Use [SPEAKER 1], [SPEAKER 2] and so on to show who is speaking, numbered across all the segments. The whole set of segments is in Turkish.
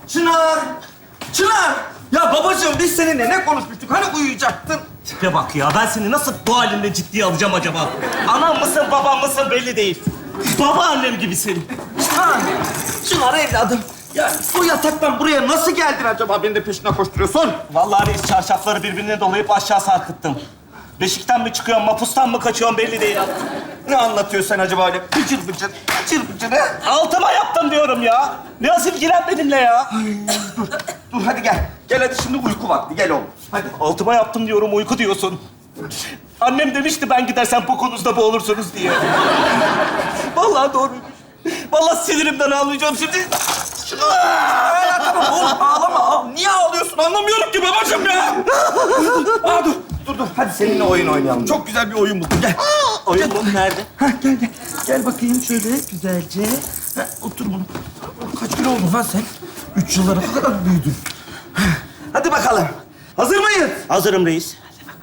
[SPEAKER 1] Çınar! Çınar! Ya babacığım biz seninle ne konuşmuştuk? Hani uyuyacaktın?
[SPEAKER 2] Tipe bak ya, ben seni nasıl bu halimle ciddiye alacağım acaba? Anam mısın, babam mısın belli değil. Babaannem gibi senin.
[SPEAKER 1] Çınar! Çınar evladım. Ya bu yataktan buraya nasıl geldin acaba? Beni de peşine koşturuyorsun.
[SPEAKER 2] Vallahi reis çarşafları birbirine dolayıp aşağı sarkıttım. Beşikten mi çıkıyorum, mapustan mı kaçıyorum belli değil.
[SPEAKER 1] Ne anlatıyorsun sen acaba öyle bıcır bıcır, bıcır bıcır ha?
[SPEAKER 2] Altıma yaptım diyorum ya. Biraz ilgilen benimle ya.
[SPEAKER 1] Dur hadi gel. Gel hadi şimdi uyku vakti. Gel oğlum. Hadi.
[SPEAKER 2] Altıma yaptım diyorum, uyku diyorsun. Annem demişti ben gidersem bokunuzda boğulursunuz diye. Vallahi doğruymuş. Vallahi sinirimden ağlayacağım şimdi.
[SPEAKER 1] Ya tamam oğlum ağlama. Niye ağlıyorsun? Anlamıyorum ki babacığım ya. Dur. Hadi seninle oyun oynayalım. Çok güzel bir oyun buldum. Gel.
[SPEAKER 2] Oyun mu? Nerede?
[SPEAKER 1] Gel. Gel bakayım şöyle güzelce. Otur bunu. Kaç kilo oldun lan sen? 3 yıllara kadar büyüdün. Hadi bakalım. Hazır mıyız?
[SPEAKER 2] Hazırım reis.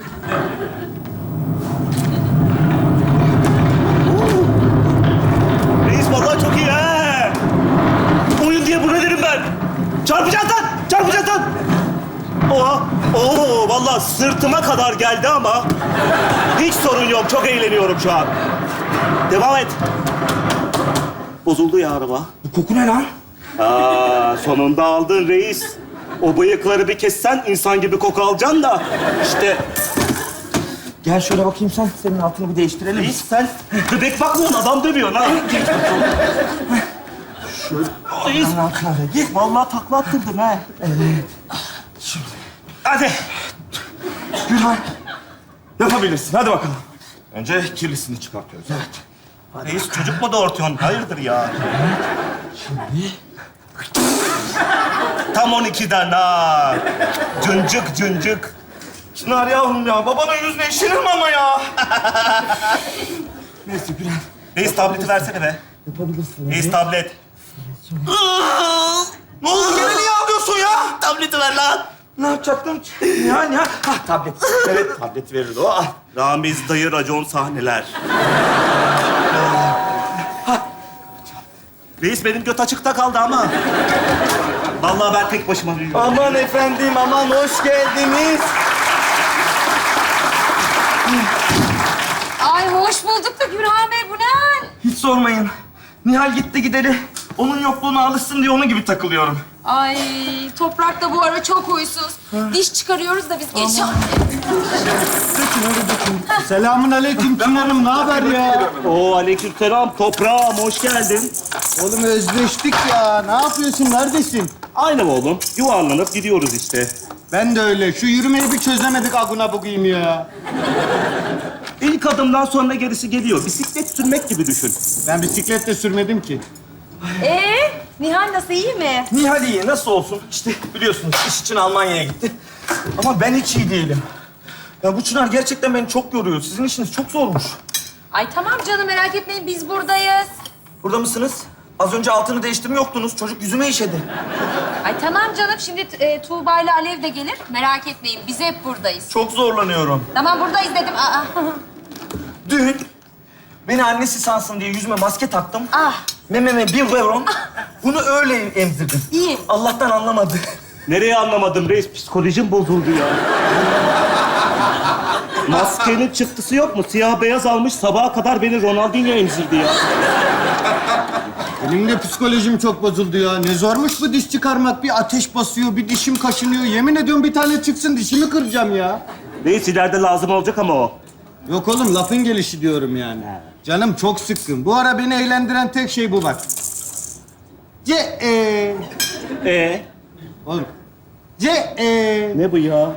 [SPEAKER 2] Reis vallahi çok iyi ha. Oyun diye buna derim ben. Çarpacaksın lan, çarpacaksın lan. Oo, vallahi sırtıma kadar geldi ama hiç sorun yok. Çok eğleniyorum şu an. Devam et. Bozuldu ya araba.
[SPEAKER 1] Bu koku ne lan?
[SPEAKER 2] Sonunda aldın reis. O bıyıkları bir kessen insan gibi koku alacaksın da. İşte
[SPEAKER 1] Gel şöyle bakayım sen. Senin altını bir değiştirelim.
[SPEAKER 2] reis sen bebek bakmıyorsun, adam dövüyorsun ha.
[SPEAKER 1] Şöyle.
[SPEAKER 2] Reis,
[SPEAKER 1] Allah'ın altına da gir.
[SPEAKER 2] vallahi takla attırdın ha.
[SPEAKER 1] Şimdi.
[SPEAKER 2] Hadi.
[SPEAKER 1] Gülhan. Yapabilirsin. Hadi bakalım. Önce kirlisini çıkartıyoruz. Evet.
[SPEAKER 2] Reis çocuk mu doğurtuyorsun? Hayırdır ya?
[SPEAKER 1] Şimdi.
[SPEAKER 2] Tam 12'den ha. Cıncık.
[SPEAKER 1] Çınar yavrum ya. Babanın yüzüne işilir mi ama ya? Neyse Gülhan.
[SPEAKER 2] Reis tableti versene be.
[SPEAKER 1] Yapabilirsin.
[SPEAKER 2] Reis tablet.
[SPEAKER 1] Ne oldu? Gene niye ağlıyorsun ya?
[SPEAKER 2] Tableti ver lan.
[SPEAKER 1] Ne yapacaktım? Ya. Tablet. Evet, tablet verirdi o. Al.
[SPEAKER 2] Ramiz dayı racon sahneler. Reis benim göt açıkta kaldı ama. Vallahi ben tek başıma büyüyorum.
[SPEAKER 1] Aman efendim, aman hoş geldiniz.
[SPEAKER 3] Ay hoş bulduk da Gürhan Bey, bu ne hal?
[SPEAKER 1] Hiç sormayın. Nihal gitti gideli. Onun yokluğuna alışsın diye onun gibi takılıyorum.
[SPEAKER 3] Ay Toprak da bu ara çok huysuz. Diş çıkarıyoruz da biz geç.
[SPEAKER 4] Selamun aleyküm Çınar'ım, ne haber ya?
[SPEAKER 2] Oo aleykümselam toprağım, hoş geldin.
[SPEAKER 4] Oğlum özleştik ya, ne yapıyorsun, neredesin?
[SPEAKER 2] Aynı oğlum, yuvarlanıp gidiyoruz işte.
[SPEAKER 4] Ben de öyle, şu yürümeyi bir çözemedik aguna bugayım ya.
[SPEAKER 2] İlk adımdan sonra gerisi geliyor. Bisiklet sürmek gibi düşün.
[SPEAKER 4] Ben bisiklet de sürmedim ki.
[SPEAKER 3] Nihal nasıl, iyi mi?
[SPEAKER 1] Nihal iyi, nasıl olsun? İşte biliyorsunuz iş için Almanya'ya gitti. Ama ben hiç iyi değilim. Ya bu Çınar gerçekten beni çok yoruyor. Sizin işiniz çok zormuş.
[SPEAKER 3] Ay tamam canım, merak etmeyin, biz buradayız.
[SPEAKER 1] Burada mısınız? Az önce altını değiştirme yoktunuz. Çocuk yüzüme işedi.
[SPEAKER 3] Ay tamam canım, şimdi Tuğba ile Alev de gelir. Merak etmeyin, biz hep buradayız.
[SPEAKER 1] Çok zorlanıyorum.
[SPEAKER 3] Tamam, buradayız dedim. Aa.
[SPEAKER 1] Dün beni annesi sansın diye yüzüme maske taktım.
[SPEAKER 3] Ah.
[SPEAKER 1] Mememe bir veron. Bunu öyle emzirdim.
[SPEAKER 3] İyi.
[SPEAKER 1] Allah'tan anlamadı.
[SPEAKER 2] Nereye anlamadım reis? Psikolojim bozuldu ya. Maskenin çıktısı yok mu? Siyah beyaz almış, sabaha kadar beni Ronaldinho emzirdi ya.
[SPEAKER 4] Benim de psikolojim çok bozuldu ya. Ne zormuş bu diş çıkarmak. Bir ateş basıyor, bir dişim kaşınıyor. Yemin ediyorum bir tane çıksın, dişimi kıracağım ya.
[SPEAKER 2] Reis ileride lazım olacak ama o.
[SPEAKER 4] Yok oğlum, lafın gelişi diyorum yani. Canım çok sıkkın. Bu ara beni eğlendiren tek şey bu bak. Oğlum.
[SPEAKER 2] Ne bu ya?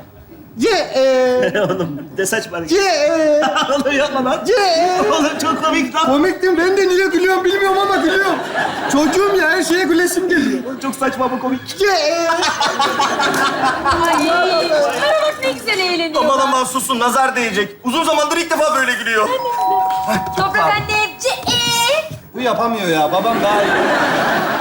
[SPEAKER 2] Oğlum de saçma. Oğlum yapma lan. Oğlum çok komik lan.
[SPEAKER 4] Komiktim. Ben de niye gülüyorum bilmiyorum ama gülüyorum. Çocuğum ya, her şeye gülesim geliyor.
[SPEAKER 2] Oğlum çok saçma ama komik.
[SPEAKER 3] Ay, şunlara bak ne güzel eğleniyor.
[SPEAKER 1] Aman susun, nazar değecek. Uzun zamandır ilk defa böyle gülüyor.
[SPEAKER 3] Toprak annem.
[SPEAKER 4] Bu yapamıyor ya. Babam daha iyi.